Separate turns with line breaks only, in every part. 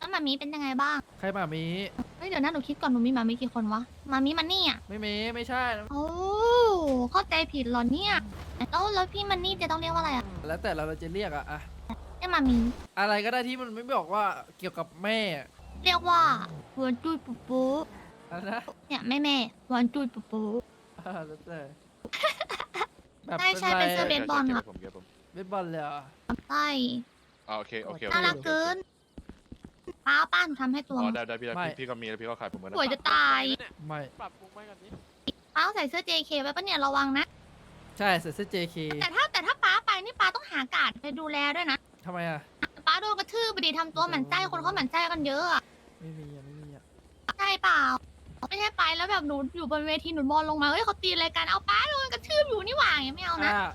แล้วมามีเป็นยังไงบ้าง
ใครหมามี
เฮ้ยเดี๋ยวนะหนูคิดก่อนหนูมีมามีกี่คนวะมามีมันนี่อ่ะ
ไม่ใช่
โอ้เข้าใจผิดเหรอเนี่ยแล้วพี่มันนี่จะต้องเรียกว่าอะไรอ่ะ
แล้วแต่เราจะเรียกอะ
เรียกมามี
อะไรก็ได้ที่มันไม่บอกว่าเกี่ยวกับแม่
เรียกว่าหวานจุยปุ๊ปุ๊
อะไรนะ
เนี่ยแม่หวานจุยปุ๊ปุ๊
แล้วแต่แบบ
ใช่เป็นเสื้อเบสบอลอะ
ผมเก็บผม
เบสบอลเลยเหรอ
ใช่
โอเคโอเค
น่ารักเกินป้าหนูทำให้ตัว
อ๋อได้พี่ก็มีแล้วพี่ก็ขายผมเหมือน
สวยจะตาย
ไม่
ปรับปรุงไปก่อนดิ
ป้าต้องใส่เสื้อ JK ไว้ปะเนี่ยระวังนะ
ใช่ใส่เสื้อ JK
แต่ถ้าป้าไปนี่ป้าต้องหาการ์ดไปดูแลด้วยนะ
ทำไมอะ
ป้าโดนกระทืบไปดิทำตัวหมั่นไส้คนเขาหมั่นไส้กันเยอะอะ
ไม่มีอะ
ใช่เปล่าไม่ใช่ไปแล้วแบบหนูอยู่บนเวทีหนูมองลงมาเฮ้ยเขาตีอะไรกันเอาป้าโดนกระทืบอยู่นี่หว่าอย่างเงี้ยไม่เอานะ
อ่ะ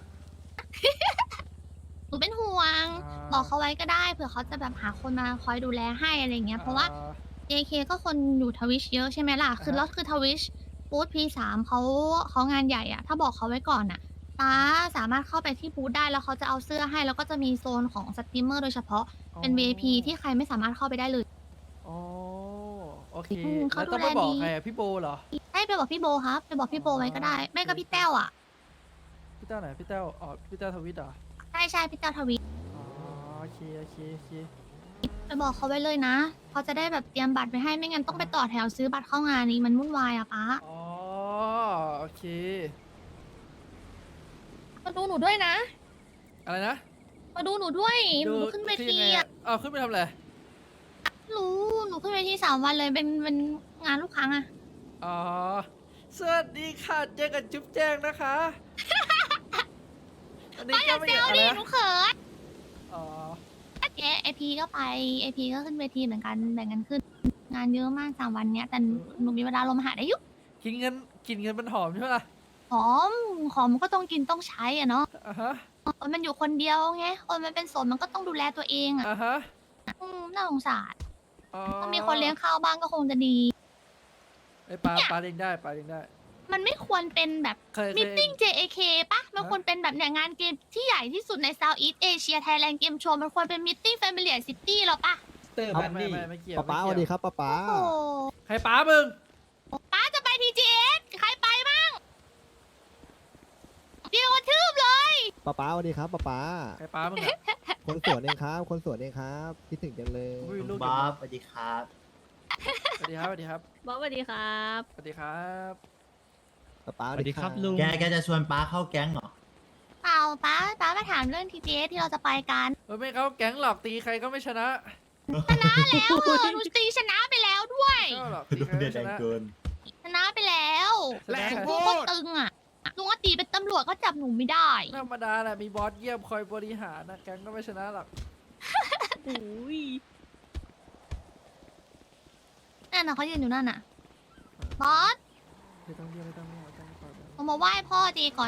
หนูเป็นห่วง บอกเขาไว้ก็ได้เผื่อเขาจะแบบหาคนมาคอยดูแลให้อะไรเงี้ยเพราะว่า JK ก็คนอยู่ทวิชเยอะใช่ไหมล่ะคือแล้วคือทวิชบูธ P3 เขางานใหญ่อะถ้าบอกเขาไว้ก่อนอะป้าสามารถเข้าไปที่บูธได้แล้วเขาจะเอาเสื้อให้แล้วก็จะมีโซนของสตรีมเมอร์โดยเฉพาะเป็น VIP ที่ใครไม่สามารถเข้าไปได้เลย
อ๋อโอเค
เขา
แล้วต้อง
ดู
ไป
แล
บอก
ดี
ใครอะพี่โบเหรอ
ให้ไปบอกพี่โบครับไปบอกพี่โบไว้ก็ได้ไม่ก็พี่แต้วอะ
พี่เต้าไหนพี่เต้าอ๋อพี่เต้าทวิตเหรอ
ใช่พี่แต้วทวิช
อ๋อโอเค
ไปบอกเขาไว้เลยนะเขาจะได้แบบเตรียมบัตรไปให้ไม่งั้นต้องไปต่อแถวซื้อบัตรเข้างานนี้มันวุ่นวายอะป้า
อ๋อโอเค
มาดูหนูด้วยนะ
อะไรนะ
มาดูหนูด้วยหนูขึ้นเว
คือ
ที
ยังไง
อะ
อ้าวขึ้นไปทำอะไร
รู้หนูขึ้นเวที3 วันเลยเป็นงานลูกค้าอะ
อ๋อสวัสดีค่ะเจอกันจุ๊บแจ้งนะคะอันนี้
ป้าอย่า
ไม่
เซล
อะไร
ดิ
นะ
หนูเขิน
อ๋อ
เจ๊ไอพีก็ไปไอพีก็ขึ้นเวทีเหมือนกันแบ่งกันขึ้น งานเยอะมาก3 วันเนี้ยแต่หนูมีเวลาลงมาหาได้อยุ
กินเงินมันหอมใช่ไหมล่ะ
หอมมันก็ต้องกินต้องใช้อะเนาะ
อ่าฮะ
คนมันอยู่คนเดียวไงคนมันเป็นโสดมันก็ต้องดูแลตัวเองอะ
อ่าฮะ
น่าสงสาร
อ๋อ
ถ้ามีคนเลี้ยงข้าวบ้างก็คงจะดี
ไอ้ยปลาเลี้ยงได้ปลาเลี้ยงได้
มันไม่ควรเป็นแบบ
เคย
มิทติ้ง JAK ปะมันควรเป็นแบบเนี่ยงานเกมที่ใหญ่ที่สุดใน Southeast Asia Thailand Game Show มันควรเป็นมิทติ้ง Familiar City หรอปะ
เตอร์
ไม่
บันนี่
ไม่เกี่ยว
ป๊าป๊าส
ไม่
วัสดี
เกี่ยว
ครับป๊าป๊า
โอ้โห
ใครป้ามึง
ป้าจะไป TGS ใครไปบ้างเดี๋ยวกระทืบเลย
ป๊าป๊าสวัสดีครับป๊าป๊า
ใครป้ามึงอะ
คนสวนเองครับ คนสวนเองครับคิดถึงจังเลย
อุ้ยลูก
บ๊อบสวัสดีครับ
สวัสดีครับสวัสดีครับ
บอสสวัสดีครับ
สวัสดีครับ
ป๊าป๊า
สวัสดีครับลุง
แกจะชวนป้าเข้าแก๊งเหรอ
เปล่าป้ามาถามเรื่อง TGS ที่เราจะไปกัน
ไม่เขาแก๊งหลอกตีใครก็ไม่ชนะ
แล้วหนูตีชนะไปแล้วด้วย
ก็หลอกตีใคร
เดื
ไม่
อด
ช
แรง
นะ
เกิน
ชนะไปแล้ว
แรง
ลุงก็ตึงอ่ะลุงก็ตีเป็นตำรวจก็จับหนูไม่ได้
ธรรมดาแหละมีบอสเยี่ยมคอยบริหารนะแก๊งก็ไม่ชนะหรอก
โอ้ย
นั่นน่ะเขายืนอยู่นั่นน่ะบอส
ไม่ต้องเรียกปล่อยไป
เอามาไหว้พ่อจีก่อน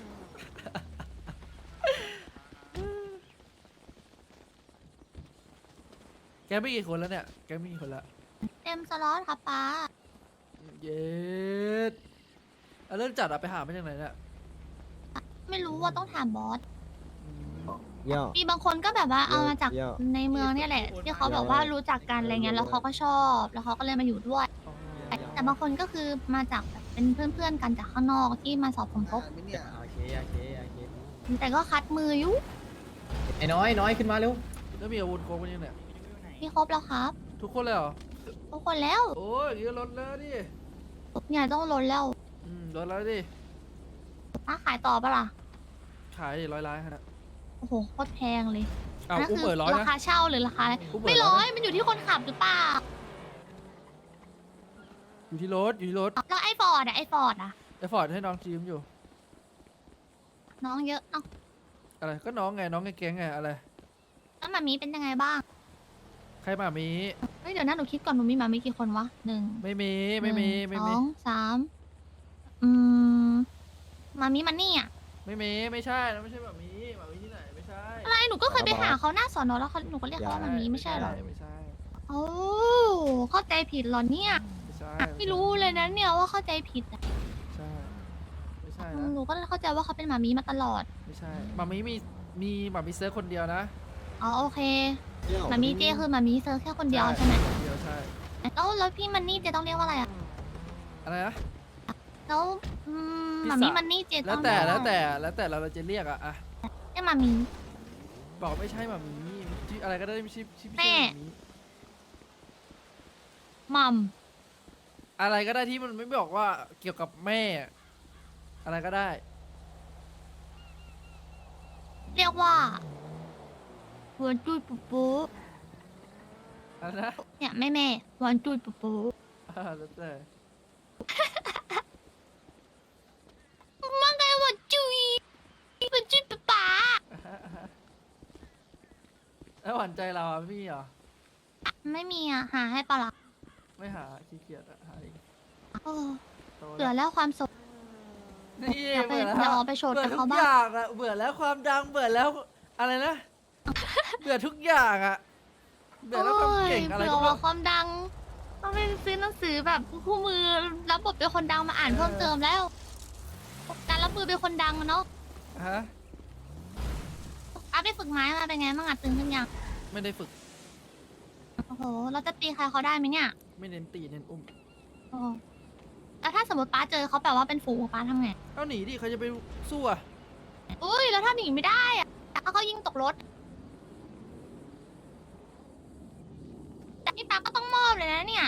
แกไม่กี่คนแล้วเนี่ยแกไม่กี่คนละ
เต็มสล็อตครับป้า
เย็ดเริ่มจัดอะไปหามาจากไหนเนี่ย
ไม่รู้ว่าต้องถามบอส
อืม
เย่อ
มีบางคนก็แบบว่าเอามาจาก
เยอะ
ในเมืองเนี่ยแหละ ที่เขาแบบว่ารู้จักกันอะไรเงี้ยแล้วเขาก็ชอบ แล้วเขาก็เลยมาอยู่ด้วย
อ๋อ
แต่บางคนก็คือมาจากแบบเป็นเพื่อนๆกันจากข้างนอกที่มาสอบผมครบ
โอเค
แต่ก็คัดมืออยู่
ไอ้น้อยขึ้นมาเร็ว
แล้วมีอาวุธครบไหมเนี่ย
ที่ครบแล้วครับ
ทุกคนเลยเหรอ
ทุกคนแล้ว
โอ้ยอย่างนี้ก็ลดแล้วดิ
เนี่ยต้องลดแล้ว
ลดแล้วดิ
ป้าขายต่อปะล่ะ
ขายดิ100 ล้านฮะ
โอ้โหโคตรแพงเลย
อ้าว
นั่น
อุ้ม
คื
เปิดร้อย
รา
นะ
คาเช่าหรือราคาอะไร
อุ้มเปิด
ไม่
ร้
ร้
อ
อย ยมันอยู่ที่คนขับหรือเปล่า
อยู่ที่รถอยู่ที่รถ
แล้วไอ้ฟอร์ดอะไอ้ฟอร์ดอะ
ไอ้ฟอร์ดให้น้องทีมอยู่
น้องเยอะเอ้า
อะไรก็น้องไงน้องไงแก๊งไงอะไร
แล้วหมามีเป็นยังไงบ้าง
ใครมามี
เฮ้ยเดี๋ยวนะหนูคิดก่อนหนูมีหมามีกี่คนวะ1
ไม่มี
สองสามหมามีมันนี่อะ
ไม่ใช่นะไม่ใช่แบบมีแบบมีที่ไหนไม่ใช่
อะไรหนูก็เคยไปหาเขาหน้าสอนอแล้วหนูก็เรียกเขาว่าหมามีไม่ใช่เหรอ
ไม่ใช่
โอ้เข้าใจผิดเหรอเนี่ย
ไม่ใช่
ไม่รู้เลยนะเนี่ยว่าเข้าใจผิดอะ
ใช่ไม่ใช่นะ
หนูก็เข้าใจว่าเขาเป็นหมามีมาตลอด
ไม่ใช่มามีมีมามีเซิร์ฟคนเดียวนะ
ออ๋อโอเค
เที่ยว
มามีเจคือมามีเซอร์แค่คนเดียวใช่ไหม
เดียวใช่
แล้วพี่มันนี่เจต้องเรียกว่าอะไรอ่ะ
อะไรนะ
แล้ว
พี่
มามี
สาว
มันนี่เจ
แล้
ต้
ว
อง
แต่
เรียก
แล้ว
ว่า
แต่เราจะเรียกอะ
เรียกมามี
บอกไม่ใช่หมามีชื่ออะไรก็ได้ไม่ใช่ชื่อ
แม่
หมามี
มัม
อะไรก็ได้ที่มันไม่บอกว่าเกี่ยวกับแม่ อะไรก็ได้
เรียกว่าหัวจุยปุ๊ปุ๊
อะไรนะ
เนี่ยแม่วันจุยปุ๊ปุ๊
แล้วแต่
มันไงวันจุยวันจุยป๊าป๊า
แล้วหวานใจเราอะพี่เหรอ
ไม่มีอ่ะหาให้ปะล่ะ
ไม่หาขี้เกียจอะหาเอง
โอ้
โต
เบื่อแล้วความสุข
นี่
อย่าไป
เบื่อแล้ว
อย่าเอาไปโชว์
เบื่อ
กับ
ทุ
เขา
ก
บ้า
อง ย่างอะเบื่อแล้วความดังเบื่อแล้วอะไรนะ เบื่อทุกอย่างอะเบื่อแล้วความเก่งอะไร
เบื่
ก็
อ
ไม่
ว่าความดังต้องไปซื้อหนังสือแบบคู่มือรับบทเป็นคนดังมาอ่านเพิ่มเติมแล้ว การรับมือเป็นคนดังอะเนาะ
ฮะ
อาไปฝึกไม้มาเป็นไงบ้างอ่ะตึงขึ้นยัง
ไม่ได้ฝึก
โอ้โหเราจะตีใครเขาได้ไหมเนี่ย
ไม่เน้นตีเน้นอุ้ม
โอ้โหแล้วถ้าสมมติป้าเจอเขาแบบว่าเป็นฝูงป้าทำไง
เอาหนีดิเขาจะไปสู้อะ
อุ้ยแล้วถ้าหนีไม่ได้อะถ้าเขายิงตกรถแต่นี่ป้าก็ต้องมอบเลยนะเนี่ย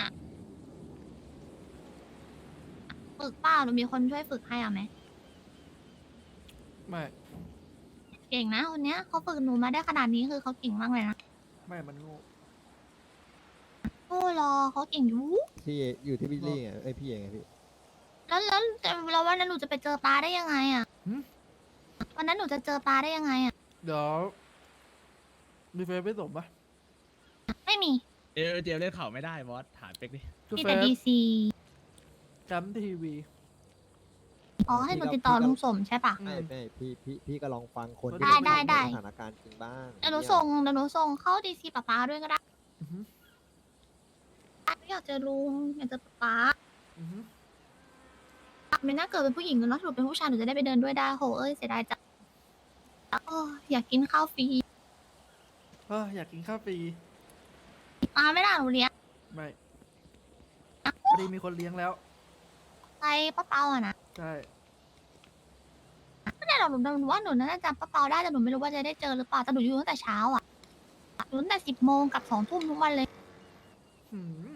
ฝึกเปล่าหรือมีคนช่วยฝึกให้อ่ะไหม
ไม่
เก่งนะคนเนี้ยเขาฝึกหนูมาได้ขนาดนี้คือเขาเก่งมากเลยนะ
ไม่มันโง่
โอ้รอเขาเก่งอยู่
ที่อยู่ที่พี่ลี่ไงไอยพี่เองไงพี่
แล้ววันนั้นหนูจะไปเจอปลาได้ยังไงอ่ะวันนั้นหนูจะเจอปลาได้ยังไงอ่ะ
เดี๋ยวมีเฟซไม่สมปะ
ไม่มี
เจมเล่นข่าวไม่ได้บอสถามเป็กดิ
คือ
มี
เฟ
แต่
ซ
ดีซี
จำทีวี
อ๋อให้หนูติดต่อลุงสมใช่ปะ
ไม่ไม่พี่ก็ลองฟังคน
ได้
ที่
ได้
อยู่ในสถานการณ์จริงบ้าง
เดี๋ยวหนูส่งเข้าดีซีป้าด้วยก็ได้
อือหือ
ไม่อยากเจอลุงอยากเจอป้า
อือหือ
ไม่น่าเกิดเป็นผู้หญิงแล้วถ้าหนูเป็นผู้ชายหนูจะได้ไปเดินด้วยได้โหเอ้ยเสียดายจังโอ้อยากกินข้าวฟรี
อยากกินข้าวฟรี
มาไม่ได้หนูเลี้ยง
ไม่พอดีมีคนเลี้ยงแล้ว
ไปป้าเปาอ่ะนะ
ใช่
ไม่ได้หรอกหนูว่าหนูน่าจะจำป้าเปาได้แต่หนูไม่รู้ว่าจะได้เจอหรือเปล่าแต่หนูอยู่ตั้งแต่เช้าอ่ะอยู่ตั้งแต่10 โมงกับ2 ทุ่มทุกวันเลย
หืม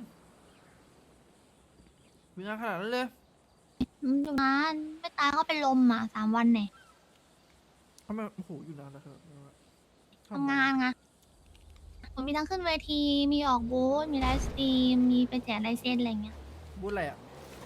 มีงานขนาดนั้นเลย
อยู่นานไม่ตายก็เป็นลมอ่ะ3 วันเนี่ย
ทำไมโอ้โหอยู่นานแล้วครับ
ทำงานไงหนูมีทั้งขึ้นเวที มีออกบูธมีไลฟ์สตรีม มีไปแจกลายเซ็นอะไรเงี้ย
บูธอะไรอ่ะ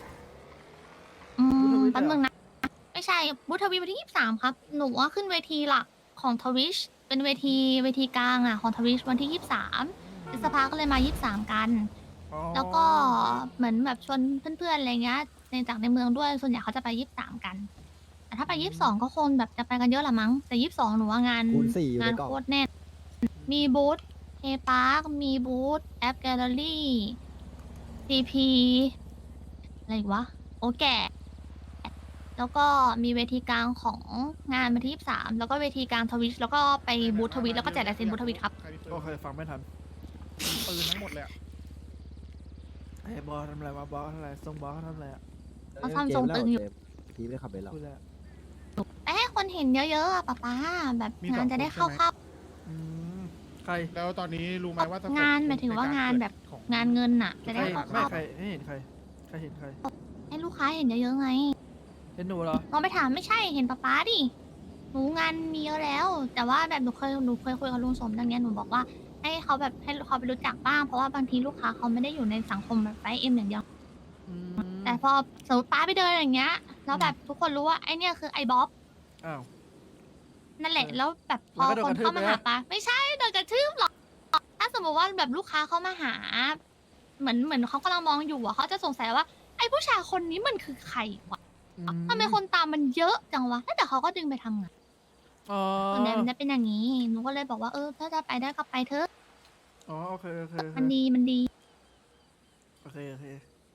อื
บูธทวิตเหรอ
แป๊บนึงนะ ไม่ใช่บูธทวีวันที่23ครับ หนูว่าขึ้นเวทีหลักของทวิชเป็นเวทีกลางอ่ะของทวิชวันที่23พฤษภาก็เลยมา23กัน
อ๋อ
แล้วก็เหมือนแบบชวนเพื่อนๆอะไรเงี้ยในเมืองด้วย ส่วนใหญ่เขาจะไป23กัน แต่ถ้าไป22ก็คงแบบจะไปกันเยอะละมั้ง แต่22หนูว่างาน
คูณ4อยู่
งา
ใน
น
กล่อง
โคตรแน่น มีบูธเฮปาร์คมีบูธแอปแกลเลอรี่ซีพีอะไรอีกวะ โอแก่ แล้วก็มีเวทีกลางของงานวันที่23แล้วก็เวทีกลางทวิชแล้วก็ไปบูธทวิชแล้วก็แจกลายเซ็นบูธทวิชครับ
โอเคฟังไม่ทัน
ปืนทั้งหมดเลยอะ
เฮ้ยบอสทำอะไรวะบอสทำอะไรทรงบอสเขาทำอะไรอ่ะ
เขาทำทรงตึงอยู่
พี่ไม่ได้ขับไปหรอก
พูดแล้ว
ไปให้คนเห็นเยอะๆอะป๊าแบบงานจะได้เข้า
อืมใคร
แล้วตอนนี้รู้ไหมว่าสเต็ป
งานหมายถึงว่างานแบบ
ของ
งานเงินน่ะ จะ
ใคร
ได้
ไม่
เข้า
ใครให้เห็นใครใครเห็นใคร
ให้ลูกค้าเห็นเยอะๆไง
เห็นหนูเหรอ
ลองไปถามไม่ใช่เห็นป๊าดิหนูงานมีเยอะแล้ว แต่ว่าแบบหนูเคยคุยกับลุงสมดังเนี้ยหนูบอกว่าให้เขาแบบให้เขาไปรู้จักบ้างเพราะว่าบางทีลูกค้าเขาไม่ได้อยู่ในสังคมแบบไฟเอ็มอย่างเดียว
อืม
แต่พอสมมติป้าไปเดินอย่างเงี้ยแล้วแบบทุกคนรู้ว่าไอเนี่ยคือไอบ๊อบ
อ้าว
นั่นแหละ
เออ
แล้วแบบพอ
แล้วก็โดน
คน
กระทืบ
เข้ามา
ไหม
หาป้าไม่ใช่โดนกระทืบหรอกถ้าสมมติว่าแบบลูกค้าเขามาหา เหมือนเขากำลังมองอยู่อะเขาจะสงสัยว่าไอผู้ชายคนนี้มันคือใครวะ
อื
ทำไมคนตามมันเยอะจังวะแล้วเดี๋ยวเขาก็ดึงไปทำงาน
อ๋อ
ส่วนใหญ่มันจะเป็นอย่างนี้หนูก็เลยบอกว่าถ้าจะไปได้ก็ไปเถอะ
อ๋อโอเคโอเคโอเค
มันดี
โอเคโอเค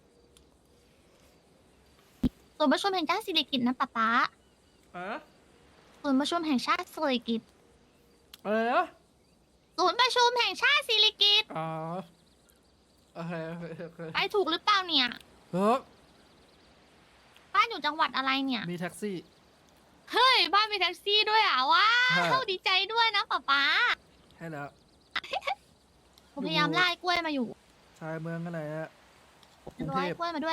ส่วนย์ประชุมแห่งชาติสิริกิติ์นะป๊า
อะ
ส่วนย์ประชุมแห่งชาติสิริกิติ์
อะไรนะ
ศูศูนย์ประชุมแห่งชาติศิริกิติ์
อ๋อโอเคโอเคโอเค
ไปถูกหรือเปล่าเนี่ย
เฮ้ย
บ้านอยู่จังหวัดอะไรเนี่ย
มีแท็กซี่
เฮ้ย บ้านมีแท็กซี่ด้วยอ่ะว้า
ใช่
วดีใจด้วยนะป๊าป๊า
ให้แล้ว
ผมพยายามไล่กล้วยมาอยู่
ชายเมืองกันไหนอะกรุง
ร้
เท
อย
พ
กล้วยมาด้วย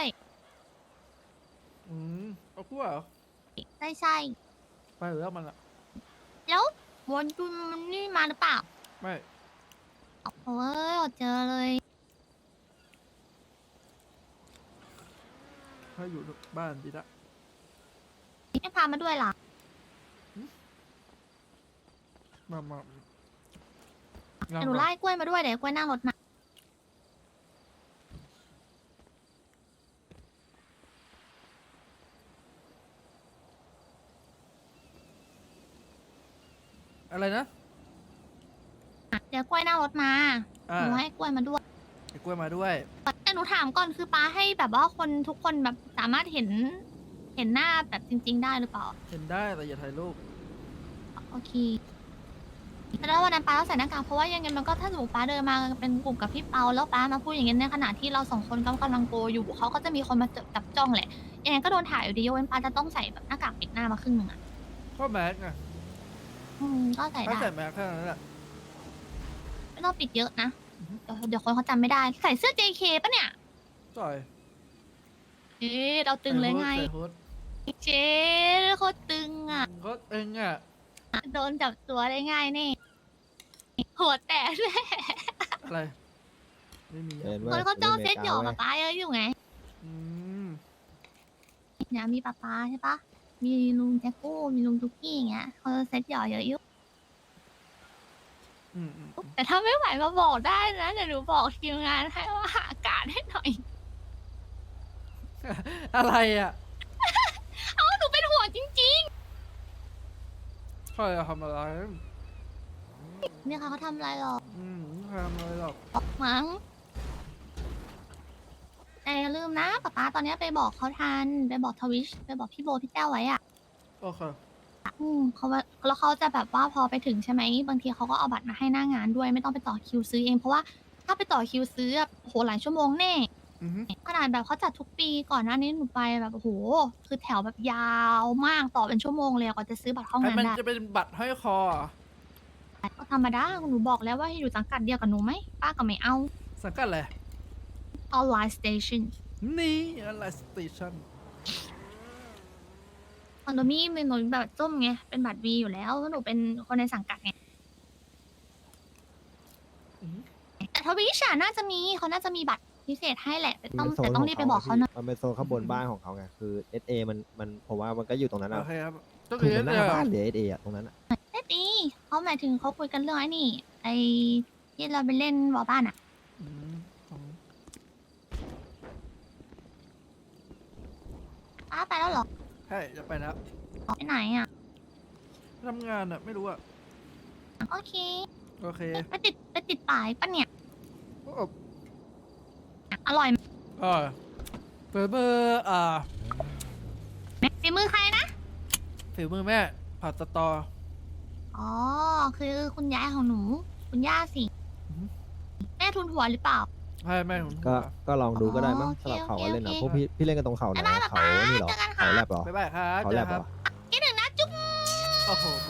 เอาคู่เหรอ
ใช่
ไปหรือแล้วมันละ
แล้ววนจุนมันนี่มาหรือเปล่า
ไม่
โอ้ยอดเจอเลย
ถ้าอยู่บ้านดีละ
ไม่พามาด้วยล่ะ
มา
เดี๋ยวหนูไล่กล้วยมาด้วยเดี๋ยวกล้วยนั่งรถมา
อะไรนะ
เดี๋ยวกล้วยนั่งรถมา
อ่า
หนูให้กล้วยมาด้วย
ไอ้กล้วยมาด้วย
แต่หนูถามก่อนคือป้าให้แบบว่าคนทุกคนแบบสามารถเห็นหน้าแบบจริง ๆ ได้หรือเปล่า
เห็นได้แต่อย่าถ่ายรูป
โอเคแต่แล้ววันนั้นป้าต้องใส่หน้ากากเพราะว่ายังไงมันก็ถ้าสมมติป้าเดินมาเป็นกลุ่มกับพี่เปาแล้วป้ามาพูดอย่างเงี้ยในขณะที่เราสองคนกำลังโกอยู่เขาก็จะมีคนมาจับจ้องแหละยังไงก็โดนถ่ายอยู่ดียกเว้นป้าจะต้องใส่แบบหน้ากากปิดหน้ามาครึ่งหนึ่งอ่ะ
ก็แมสไง
ก็ใส่
ถ้า
ได้
ใส่แมสแค่นั้นแหละ
ไม่ต้องปิดเยอะนะเดี๋ยวคนเขาจำไม่ได้ใส่เสื้อ JK ปะเนี่ย
ต่อย
เอ๊ะเราตึงเลยไง
ใส่ฮูด
เจ๊โคตรตึงอ่ะ
ก็เองอ่ะ
โดนจับตัวได้ง่ายนี่หัวแตกเลย
อะไร ไม่มี
เห็น
ค
ว่าน
เขาจ้องเซตหยอก
ว้
ป๊าป๊าเยอะอยู่ไง
อืม
เนี่ยมีป๊าป๊าใช่ปะมีลุงแจ็คกู้มีลุงทุกกี้อย่างเงี้ยเขาเซตหยอกเยอะอยู่
อืม
แต่ถ้าไม่ไหวมาบอกได้นะเดี๋ยวหนูบอกทีมงานให้ว่าหาอากาศให้หน่อย
อะไรอ่ะ
เอาหนูเป็นห่วงจริง
ใครอะทำอะไร
ๆเนี่ยค่ะเขาทำอะไรหรอ
ใครทำอะไรหรอก
มั้งแต่อย่าลืมนะป๊าป๊าตอนเนี้ยไปบอกเขาทันไปบอกทวิชไปบอกพี่โบพี่แก้วไว้อะ
โอเค
เขาว่าแล้วเขาจะแบบว่าพอไปถึงใช่ไหมบางทีเขาก็เอาบัตรมาให้หน้างานด้วยไม่ต้องไปต่อคิวซื้อเองเพราะว่าถ้าไปต่อคิวซื้ออะโหหลายชั่วโมงแน่
อือฮึ
ขนาดแบบเขาจัดทุกปีก่อนหน้านี้หนูไปแบบโอ้โหคือแถวแบบยาวมากต่อเป็นชั่วโมงเลยกว่าจะซื้อบัตรเข้า
ไอ้
งาน
มัน
ได้
จะเป็นบัตรห้อยคอเหรอ
ก็ธรรมดาหนูบอกแล้วว่าให้อยู่สังกัดเดียวกับหนูไหมป้าก็ไม่เอา
สังกัดอะไร
ออนไลน์สเตชัน
นี่อะไรสเตชัน
ของหนูมีหนูแบบส้มไงเป็นบัตรวีอยู่แล้วเพราะหนูเป็นคนในสังกัดไงแต่ทวิชาน่าจะมีเขาน่าจะมีบัตรพิเศษให้แหละแต่ต้อง
มันเป็นโซน
แต่ต้องรีบไปบอกเขานะ
มันเป็นโซนข้างบนบ้านของเขาไงคือ SA มันผมว่ามันก็อยู่ตรงนั้น
โอ
อ่ะ
เคครับก็
คื
คือ อ
มันห
เนี่
น้าย บ้านหรือ SA อ่ะตรงนั้นอ่ะ
เอ๊ะดีเขาหมายถึงเขาคุยกันเรื่องไอ้นี่ไอ้ที่เราไปเล่นวอลบ้านอะ
อืมของ
ป้าไปแล้วเหรอ
ใช่จะไปแล้ว
ไปไหนอะ
ทำงานอ่ะไม่รู้อ่ะ
โอเค
โอเค
ไปติดป้ายปะเนี่ย
โอ้
อร่อยไหม
เบอร์
ฝีมือใครนะ
ฝีมือแม่ผัดสตอ
อ๋อ คือคุณยายของหนู คุณย่าสิ
อือฮึ
แม่ทุนหัวหรือเปล่า
ให้แม่ผม
ก็ลองดูก็ได้มั้ง
โอเค
สลับเขา
โอเค
เล่นนะ
โอเค
พวกพี่เล่นกันตรงเขาไหน
บ๊ายบาย
เขานี่เหรอ
เจอกันค่ะ
เขาแลบเหรอ
บ๊ายบายครับ
เขาแลบเหรอ
คิดถึงนะจุ๊บ
โอ้โห